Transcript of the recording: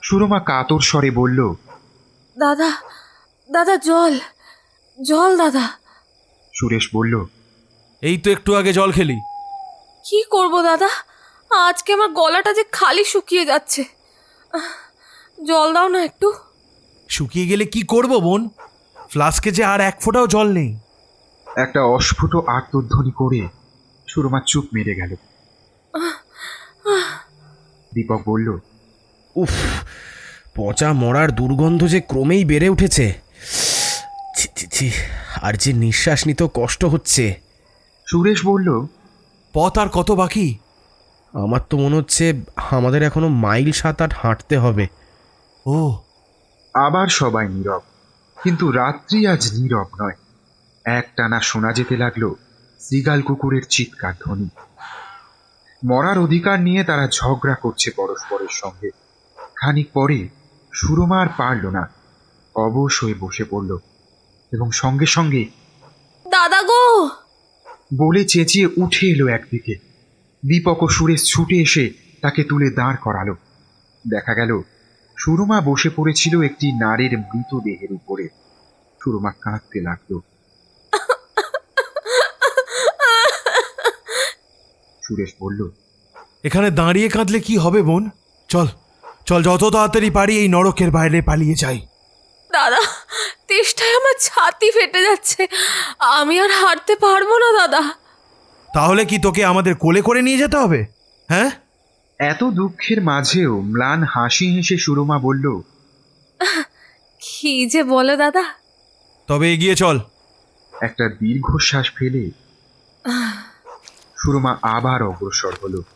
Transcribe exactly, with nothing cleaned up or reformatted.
সুরমা কাতর স্বরে বলল, দাদা দাদা জল জল দাদা। সুরেশ বলল, এই তো একটু আগে জল খেলি। কি করব দাদা, আজকে আমার গলাটা যে খালি শুকিয়ে যাচ্ছে, আহ, জল দাও না একটু। শুকিয়ে গেলে কি করব বোন? ফ্লাস্কে যে আর এক ফোঁটাও জল নেই। একটা অস্ফুট আর্তধ্বনি করে সুরমা চুপ মেরে গেল। দীপক বলল, উফ, পচা মরার দুর্গন্ধ যে ক্রমেই বেড়ে উঠেছে। ছি ছি ছি, আর যে নিঃশ্বাস নিতেও কষ্ট হচ্ছে। সুরেশ বলল, পথ আর কত বাকি? আমার তো মনে হচ্ছে আমাদের এখনো মাইল সাত আট হাঁটতে হবে। ও। আবার সবাই নীরব, কিন্তু রাত্রি আজ নীরব নয়। একটানা শোনা যেতে লাগলো শ্রীগাল কুকুরের চিৎকার ধ্বনি। মরার অধিকার নিয়ে তারা ঝগড়া করছে পরস্পরের সঙ্গে। খানিক পরে সুরমা আর পারল না, অবশ হয়ে বসে পড়ল এবং সঙ্গে সঙ্গে দাদা গো বলে চেঁচিয়ে উঠে এলো একদিকে। দীপক ও সুরেশ ছুটে এসে তাকে তুলে দাঁড় করালো। দেখা গেল সুরমা বসে পড়েছিল একটি নারীর মৃতদেহের উপরে। সুরমা কাঁদতে লাগলো। সুরেশ বলল, এখানে দাঁড়িয়ে কাঁদলে কি হবে বোন? চল চল, যত তাড়াতাড়ি পারি এই নরকের বাইরে পালিয়ে যাই। দাদা, তেষ্টায় আমার ছাতি ফেটে যাচ্ছে, আমি আর হাঁটতে পারবো না দাদা। তাহলে কি তোকে আমাদের কোলে করে নিয়ে যেতে হবে? হ্যাঁ? এত দুঃখের মাঝেও ম্লান হাসি হেসে সুরমা বলল, কি যে বলে দাদা। তবে এগিয়ে চল। একটা দীর্ঘশ্বাস ফেলে সুরমা আবার অগ্রসর হলো।